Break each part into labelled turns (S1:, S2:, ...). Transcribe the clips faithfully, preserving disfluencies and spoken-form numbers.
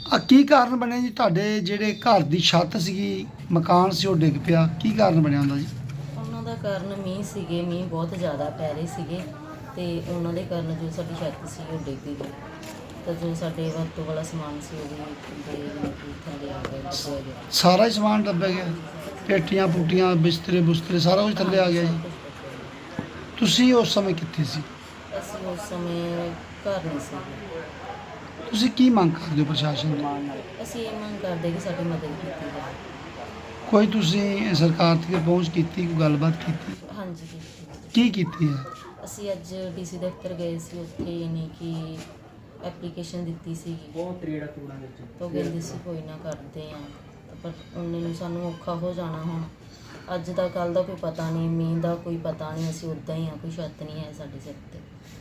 S1: ਆ ਕੀ ਕਾਰਨ ਬਣਿਆ ਜੀ ਤੁਹਾਡੇ ਜਿਹੜੇ ਘਰ ਦੀ ਛੱਤ ਸੀਗੀ, ਮਕਾਨ ਸੀ, ਉਹ ਡਿੱਗ ਪਿਆ? ਕੀ ਕਾਰਨ ਬਣਿਆ ਹੁੰਦਾ ਜੀ?
S2: ਉਹਨਾਂ ਦਾ ਕਾਰਨ ਮੀਂਹ ਸੀਗੇ, ਮੀਂਹ ਬਹੁਤ ਜ਼ਿਆਦਾ ਪੈ ਰਹੇ ਸੀਗੇ ਤੇ ਉਹਨਾਂ ਦੇ ਕਾਰਨ ਜੋ ਸਾਡੀ ਛੱਤ ਸੀ ਉਹ ਡਿੱਗ ਗਈ ਤਾਂ ਜੋ ਸਾਡੇ ਵਰਤੋਂ ਵਾਲਾ ਸਮਾਨ ਸੀ ਉਹ ਵੀ ਦੇ ਥੱਲੇ ਆ ਗਿਆ, ਡੁੱਬ ਗਿਆ।
S1: ਸਾਰਾ ਹੀ ਸਮਾਨ ਡੱਬਿਆ ਗਿਆ? ਪੇਟੀਆਂ ਪੂਟੀਆਂ, ਬਿਸਤਰੇ ਬੁਸਤਰੇ ਸਾਰਾ ਕੁਝ ਥੱਲੇ ਆ ਗਿਆ ਜੀ? ਤੁਸੀਂ ਉਸ ਸਮੇਂ ਕਿੱਥੇ ਸੀ?
S2: ਅਸੀਂ ਉਸ ਸਮੇਂ ਘਰ ਨਹੀਂ ਸੀ।
S1: ਤੁਸੀਂ ਕੀ ਮੰਗ ਕਰਦੇ ਹੋ ਪ੍ਰਸ਼ਾਸਨ ਤੋਂ?
S2: ਅਸੀਂ ਇਹ ਮੰਗ ਕਰਦੇ ਕਿ ਸਾਡੀ ਮਦਦ ਕੀਤੀ ਜਾਵੇ।
S1: ਕੋਈ ਤੁਸੀਂ ਸਰਕਾਰ ਤੱਕ ਪਹੁੰਚ ਕੀਤੀ, ਕੋਈ ਗੱਲਬਾਤ ਕੀਤੀ?
S2: ਹਾਂਜੀ ਕੀਤੀ।
S1: ਕੀ ਕੀਤੀ ਹੈ?
S2: ਅਸੀਂ ਅੱਜ ਡੀ ਸੀ ਦਫ਼ਤਰ ਗਏ ਸੀ, ਉੱਥੇ ਯਾਨੀ ਕਿ ਐਪਲੀਕੇਸ਼ਨ ਦਿੱਤੀ ਸੀਗੀ।
S3: ਬਹੁਤ ਤਰੀੜਾ ਕੂੜਾ ਵਿੱਚ
S2: ਤਾਂ ਕਹਿੰਦੇ ਸੀ ਕੋਈ ਨਾ ਕਰਦੇ ਆ, ਪਰ ਉਹਨੇ ਨੂੰ ਸਾਨੂੰ ਔਖਾ ਹੋ ਜਾਣਾ ਹੁਣ। ਅੱਜ ਦਾ ਕੱਲ੍ਹ ਦਾ ਕੋਈ ਪਤਾ ਨਹੀਂ, ਮੀਂਹ ਦਾ ਕੋਈ ਪਤਾ ਨਹੀਂ, ਅਸੀਂ ਉੱਦਾਂ ਹੀ ਆ, ਕੋਈ ਛੱਤ ਨਹੀਂ ਹੈ ਸਾਡੇ ਸਿਰ 'ਤੇ।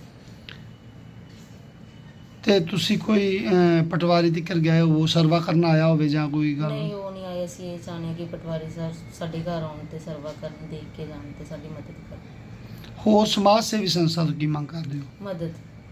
S1: ਤੇ ਤੁਸੀਂ ਕੋਈ ਅਹ, ਪਟਵਾਰੀ ਤੱਕ ਗਏ ਹੋ, ਸਰਵਾ ਕਰਨ ਆਇਆ ਹੋਵੇ ਜਾਂ ਕੋਈ ਗੱਲ?
S2: ਨਹੀਂ, ਉਹ ਨਹੀਂ ਆਏ। ਅਸੀਂ ਇਹ ਚਾਹੁੰਦੇ ਕਿ ਪਟਵਾਰੀ ਸਾਹਿਬ ਸਾਡੇ ਘਰ ਆਉਣ ਤੇ ਸਰਵਾ ਕਰਨ, ਦੇਖ ਕੇ ਜਾਣ ਤੇ ਸਾਡੀ ਮਦਦ ਕਰਨ।
S1: ਹੋਰ ਸਮਾਜ ਸੇਵੀ ਸੰਸਥਾ ਤੋਂ ਕੀ ਮੰਗ ਕਰਦੇ ਹੋ?
S2: ਮਦਦ।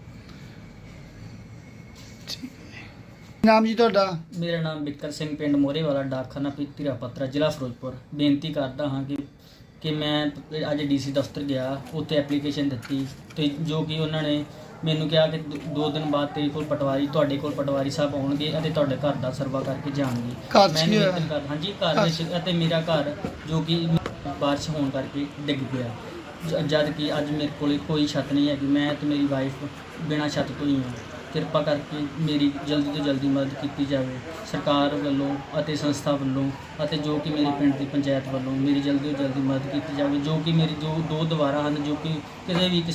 S1: ਕੀ ਨਾਮ ਜੀ ਤੁਹਾਡਾ?
S3: ਮੇਰਾ ਨਾਮ ਬਿੱਕਰ ਸਿੰਘ, ਪਿੰਡ ਮੋਰੇ ਵਾਲਾ, ਡਾਕਖਾਨਾ ਪੀਤੀਰਾ ਪੱਤਰਾ, ਜ਼ਿਲ੍ਹਾ ਫਿਰੋਜ਼ਪੁਰ। ਬੇਨਤੀ ਕਰਦਾ ਹਾਂ ਕਿ ਕਿ ਮੈਂ ਅੱਜ ਡੀ ਸੀ ਦਫ਼ਤਰ ਗਿਆ, ਉੱਥੇ ਐਪਲੀਕੇਸ਼ਨ ਦਿੱਤੀ ਤੇ ਜੋ ਕਿ ਉਹਨਾਂ ਨੇ ਮੈਨੂੰ ਕਿਹਾ ਕਿ ਦੋ- ਦੋ ਦਿਨ ਬਾਅਦ ਤੇਰੇ ਕੋਲ ਪਟਵਾਰੀ ਤੁਹਾਡੇ ਕੋਲ ਪਟਵਾਰੀ ਸਾਹਿਬ ਆਉਣਗੇ ਅਤੇ ਤੁਹਾਡੇ ਘਰ ਦਾ ਸਰਵਾ ਕਰਕੇ ਜਾਣਗੇ।
S1: ਘਰ 'ਚ
S3: ਮੈਂ
S1: ਕੀ ਹੋਇਆ?
S3: ਨਿਵੇਦਨ ਕਰ ਹਾਂਜੀ ਘਰ ਵਿੱਚ, ਅਤੇ ਮੇਰਾ ਘਰ ਜੋ ਕਿ ਬਾਰਿਸ਼ ਹੋਣ ਕਰਕੇ ਡਿੱਗ ਪਿਆ, ਜ- ਜਦ ਕਿ ਅੱਜ ਮੇਰੇ ਕੋਲ ਕੋਈ ਛੱਤ ਨਹੀਂ ਹੈਗੀ। ਮੈਂ ਤੇ ਮੇਰੀ ਵਾਈਫ ਬਿਨਾਂ ਛੱਤ ਤੋਂ ਹੀ ਹਾਂ। ਕਿਰਪਾ ਕਰਕੇ ਮੇਰੀ ਜਲਦੀ ਤੋਂ ਜਲਦੀ ਮਦਦ ਕੀਤੀ ਜਾਵੇ ਸਰਕਾਰ ਵੱਲੋਂ ਅਤੇ ਸੰਸਥਾ ਵੱਲੋਂ, ਅਤੇ ਜੋ ਕਿ ਮੇਰੇ ਪਿੰਡ ਦੀ ਪੰਚਾਇਤ ਵੱਲੋਂ ਮੇਰੀ ਜਲਦੀ ਤੋਂ ਜਲਦੀ ਮਦਦ ਕੀਤੀ ਜਾਵੇ, ਜੋ ਕਿ ਮੇਰੀ ਜੋ ਦੋ ਦੀਵਾਰਾਂ ਹਨ ਜੋ ਕਿ ਕਿਸੇ ਵੀ